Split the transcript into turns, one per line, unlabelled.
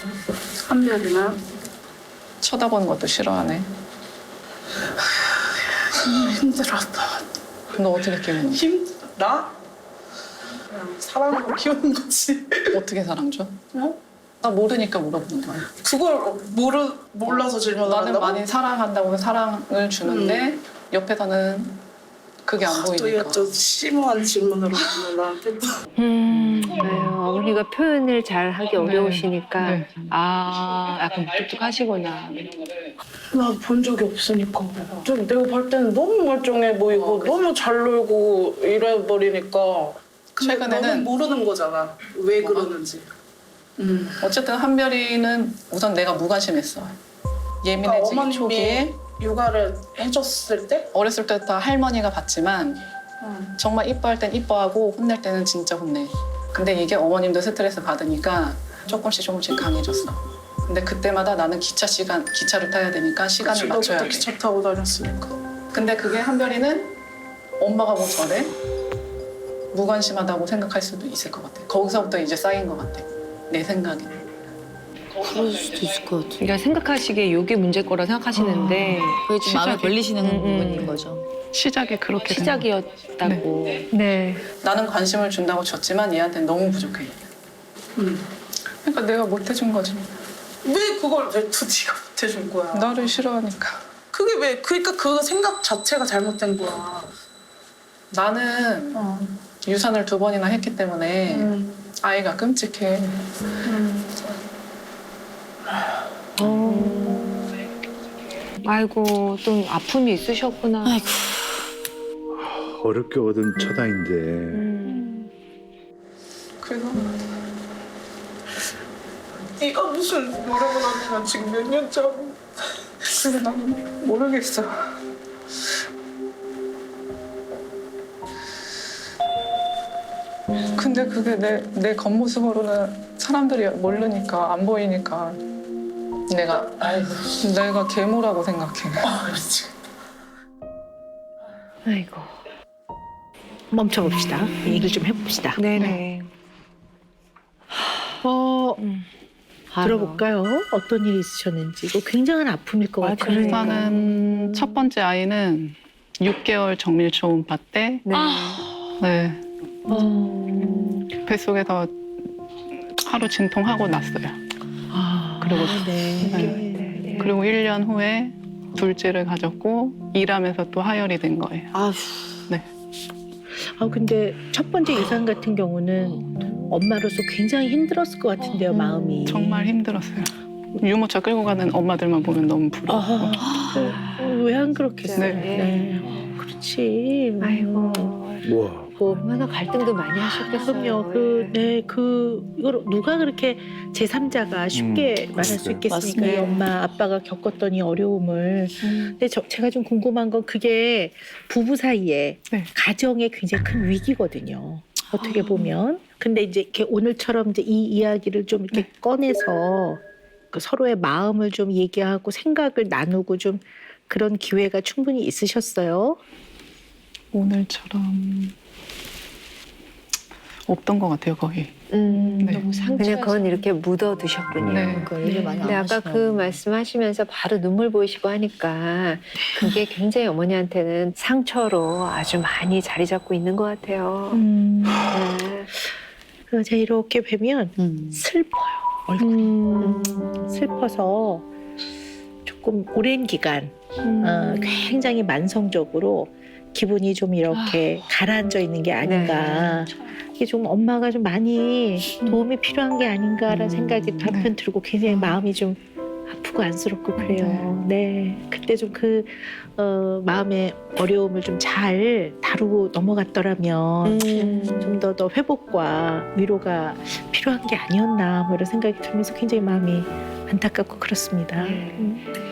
한별이는
쳐다보는 것도 싫어하네.
힘들었다.
너 어떻게 키우는 거야?
나? 그냥 사랑으로 키우는 거지.
어떻게 사랑 줘?
어?
나 모르니까 물어보는 거야.
그걸 몰라서 질문을
나는
한다고?
많이 사랑한다고 사랑을 주는데 옆에서는 그게 안
또
보이니까.
이거 좀 심오한 질문으로 하면 나한테 또.
어머니가 표현을 잘 하기 어려우시니까
네.
아 약간 무뚝뚝하시구나.
나 본 적이 없으니까. 좀 내가 볼 때는 너무 멀쩡해 보이고 너무 잘 놀고 이래버리니까. 근데
최근에는
너는 모르는 거잖아. 왜 그러는지.
어쨌든 한별이는 우선 내가 무관심했어. 예민해지기
어머님이
초기에
육아를 해줬을 때?
어렸을 때부터 할머니가 봤지만 정말 이뻐할 땐 이뻐하고 혼낼 때는 진짜 혼내. 근데 이게 어머님도 스트레스 받으니까 조금씩 강해졌어. 근데 그때마다 나는 기차를 타야 되니까 시간을 맞춰야 돼.
기차 타고 다녔으니까.
근데 그게 한별이는 엄마가 뭐 저래? 무관심하다고 생각할 수도 있을 것 같아. 거기서부터 이제 쌓인 것 같아. 내 생각에는.
그럴 수도 있을 것 같아요.
그러니까 생각하시기에 이게 문제일 거라 생각하시는데
그게 좀 마음에
시작이-
걸리시는 부분인 거죠.
시작이 그렇게 된 거야.
시작이었다고. 네.
나는 관심을 준다고 줬지만 얘한테는 너무 부족해. 그러니까 내가 못 해준 거지.
왜 그걸 왜 두디가 못해준 거야?
나를 싫어하니까.
그게 왜? 그러니까 그 생각 자체가 잘못된 거야.
나는 유산을 2번이나 했기 때문에 아이가 끔찍해.
아이고 좀 아픔이 있으셨구나.
아이고.
어렵게 얻은 첫 아이인데
그래서
네가 무슨 노력을 하면 지금 몇 년짜고.
그래서 나는 모르겠어. 근데 그게 내 겉모습으로는 사람들이 모르니까 안 보이니까 내가 괴물하고 생각해.
아 미치겠다.
아이고.
멈춰봅시다. 얘기를 좀 해봅시다.
네네.
들어볼까요? 어떤 일이 있으셨는지. 이거 굉장한 아픔일 것 같아요.
우선은 첫 번째 아이는 6개월 정밀 초음파 때
네.
네, 뱃속에서 하루 진통하고 났어요. 그리고
네.
그리고 1년 후에 둘째를 가졌고 일하면서 또 하혈이 된 거예요.
아휴.
근데 첫 번째 유산 같은 경우는 엄마로서 굉장히 힘들었을 것 같은데요, 마음이.
정말 힘들었어요. 유모차 끌고 가는 엄마들만 보면 너무 부러워.
왜 안 그렇겠어요?
네.
네. 그렇지.
아이고.
와
얼마나 갈등도 많이 하셨겠어요.
그럼요. 이걸 누가 그렇게 제3자가 쉽게 말할 수 있겠습니까?
맞습니다.
이 엄마, 아빠가 겪었던 이 어려움을. 근데 제가 좀 궁금한 건 그게 부부 사이에
네.
가정에 굉장히 큰 위기거든요. 어떻게 보면. 근데 이제 이렇게 오늘처럼 이제 이 이야기를 좀 이렇게 꺼내서 그 서로의 마음을 좀 얘기하고 생각을 나누고 좀 그런 기회가 충분히 있으셨어요?
오늘처럼 없던 것 같아요, 거의.
네.
너무
그냥 그건 이렇게 묻어두셨군요.
네.
그러니까 얘기를 많이 안
근데 아까
하시나
그
보네.
말씀하시면서 바로 눈물 보이시고 하니까 그게 굉장히 어머니한테는 상처로 아주 많이 자리 잡고 있는 것 같아요. 네.
그래서 제가 이렇게 뵈면 슬퍼요. 얼굴이. 슬퍼서 조금 오랜 기간 굉장히 만성적으로 기분이 좀 이렇게 가라앉아 있는 게 아닌가. 이게 좀 엄마가 좀 많이 도움이 필요한 게 아닌가라는 생각이 한편 들고 굉장히 마음이 좀 아프고 안쓰럽고 그래요. 네. 그때 좀 그 마음의 어려움을 좀 잘 다루고 넘어갔더라면 좀 더 회복과 위로가 필요한 게 아니었나 뭐 이런 생각이 들면서 굉장히 마음이 안타깝고 그렇습니다.